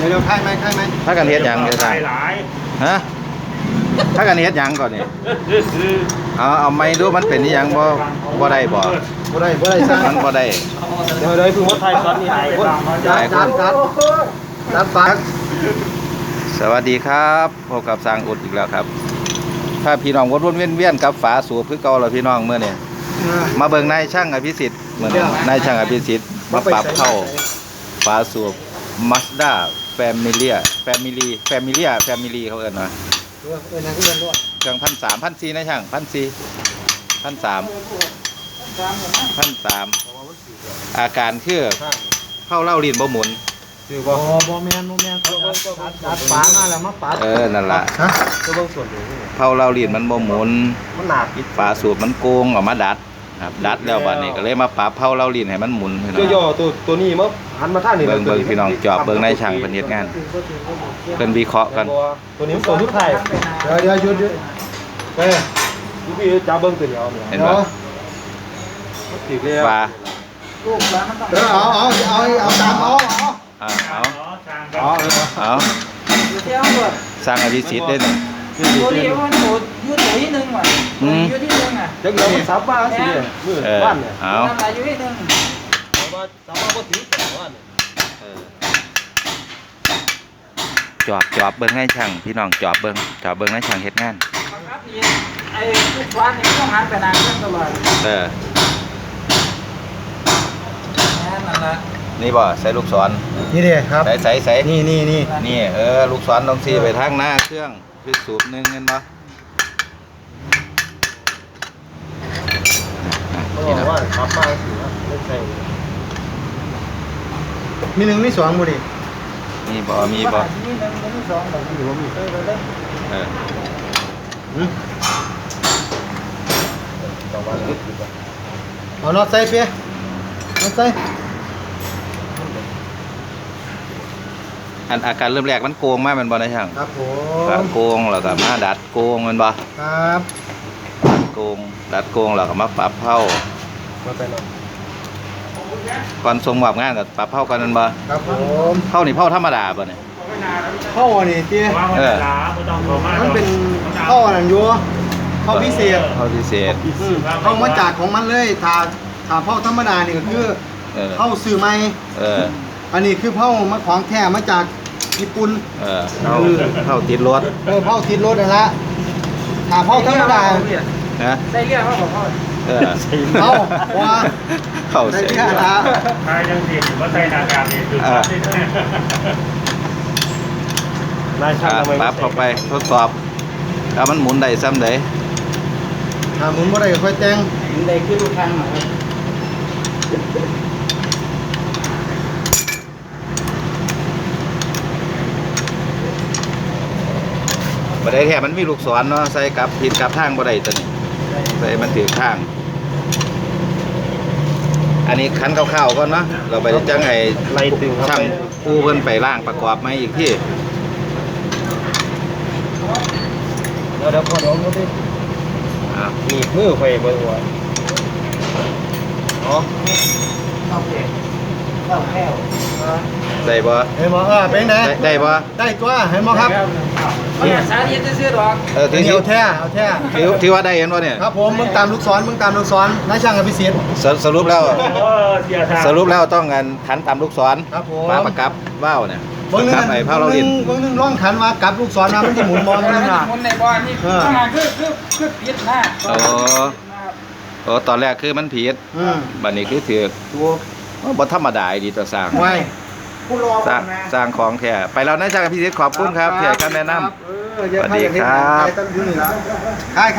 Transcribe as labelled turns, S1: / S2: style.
S1: เร็วๆค่ายไหม
S2: ถ้ากันเฮ็ดหยังจะสั่งฮะถ้ากันเฮ็ดหยังก่อนนี่เอาไม่รู้มันเป็นนี่ยังบ่ได้บ่
S1: ได้สร้าง
S2: มันบ่ได้
S1: เดี๋ยวเพิ่งว่าไทยซอสนี่หายคนจัดฟัก
S2: สวัสดีครับพบกับสร้างอุดอีกแล้วครับถ้าพี่น้องวนๆเวียนๆกับฝาสูบคือเก่าแล้วพี่น้องเมื่อนี่มาเบิ่งนายช่างอภิสิทธิ์เหมือนนายช่างอภิสิทธิ์มาปรับเข้าฝาสูบ Mazda Familia เขาเอิ้นว่าเครื่อง1,300 1,400นะช่าง1,300อาการคือเข้าเล่าลิ้นบ่หมุน
S1: บ่แมนจัดฝามาแล้วมาปัด
S2: นั่นล่ะ
S1: ก็เบิ่งส่วนอยู่
S2: เผาเล่าลิ้นมันบ่หมุน
S1: มันหนัก
S2: ฝาสูบมันโกงออกมาดัดครับดัดแล้วบัดนี้ก็เลยมาปรับเผาเล่าลิ้นให้มันหมุน
S1: ย่อตัวนี้มั้งหันมาทางนี้
S2: เบิ่งพี่น้องจอบเบิ่งในช่างเพิ่นเฮ็ดงานเพิ่นวิเคราะห์กัน
S1: ตัวนี้มันตัวทุกไทยเดี๋ยวหยุดไปพี่จับเบิ่งตัวเดียว
S2: เห็นบ่ว่า
S1: เอาตามเอา
S2: สร้างอภิสิทธิ์ได้นี่
S3: ตัวนี้มันโหดยืดตัวที่หนึ่งว่ะยืดที่หนึ่งอ่ะ
S1: เด็กเราซับบ้านสิเนี่ยมือบ้านเนี่ย
S2: เอา
S3: ทำอะไรอยู่ที่หนึ่ง
S1: ซับบ้านก็ถือแต่บ้าน
S2: จอบเบิ่งให้ช่างพี่น้องจอบเบิ่งให้ช่างเฮ็ดงาน
S3: ไอ้ทุกวันนี่ต้องหันไปนานเรื่องตลอดนั่นแหละ
S2: นี่บ่ใส่ลูกศร
S1: นี่ดิครับ
S2: ใส่
S1: นี่
S2: ลูกศรต้องชี้ไปทางหน้าเครื่องคือสูบนึงเห็นบ่
S1: นี่นะว่าขับมาสิไม่ใช่มี1มี2บ่ดิ
S2: มีบ่
S3: มี1มี2แบบนี้บ่มี
S1: เอาน็อตใส่เปียน็อตใส่
S2: อาการเริ่มแรกมันโกงมากมันบ่ได้ช่าง
S1: ครับผม
S2: โกงแล้วก็มาดัดโกงมันบ่
S1: ครับ
S2: ดัดโกงแล้วก็มาปรับเผาก่อนส่งมอบงานก็ปรับเผากันมันบ่
S1: ครับผม
S2: เผานี่เผาธรรมดาบ่เนี่ย
S1: เผานี่เตี้ยมันเป็นเผาอันอยู่เผาพิเศษ
S2: เผา
S1: มาจากของมันเลยถ้าเผาธรรมดานี่ก็คือเผาซื้อใหม่อันนี้คือเผามาของแท้มาจากญี่ปุ่น
S2: เผาติดรถ
S1: เผาติดรถนั่นละถ้าเผาธรรมดา
S3: ใส่เรียกเขาบอก
S1: เผาว่า
S2: ใส่
S1: เรียกละ
S3: ใช่จังสิว่าใส่หน้ากากนี่คือ
S2: ปรับเข้าไปทดสอบถ้ามันหมุนได้ซ้ำได้
S1: ถ้าหมุนบ่ได้ก็ค่อยแต่ง
S3: หมุนได้คือทุกครั้ง
S2: บ่ได้แค่มันมีลูกศรเนาะใส่กับผิดกับทางบ่ได้ตัวนี้ใส่มันถือข้างอันนี้คันคร่าวๆก่อนเนาะเราไปจังไห้ช่างผู้เพิ่นไปล่างประกอบมาอีกที่
S1: เดี๋ยวพอลงดูดิมีมือไฟเบิ่งว่า
S3: โอเคเข้าแก้ว
S2: ได้บ่
S1: เห็นบ่เป็นไง
S2: ได้บ่
S1: ได้ตัวเห็นบ่ครับ
S3: เนี่ยสาธิตซื้อดอก
S1: เอาแท้
S2: ที่ว่าได้เห็นบ่เนี่ย
S1: ครับผมมึงตามลูกศรนายช่างอภิสิทธิ์
S2: สรุปแล้วต้องกันขันตามลูกศร
S1: ครับผม
S2: มาประกับว่าวเนี่ยครับไอ้เผาเราลิ้น
S1: เบิ่งนึงร้องขันมากับลูกศรมามันสิหมุนมอง
S3: นั่นน่ะหมุนในบ่อนี่คือผิดนะ
S2: ตอนแรกคือมันผิดบัดนี้คือถูกบ่ธรรมดาดีต่อสร้างสร้างของแท้ไปแล้วนะช่างอภิสิทธิ์ขอบคุณครับที่ให้คำแนะนำสวัสดีครับ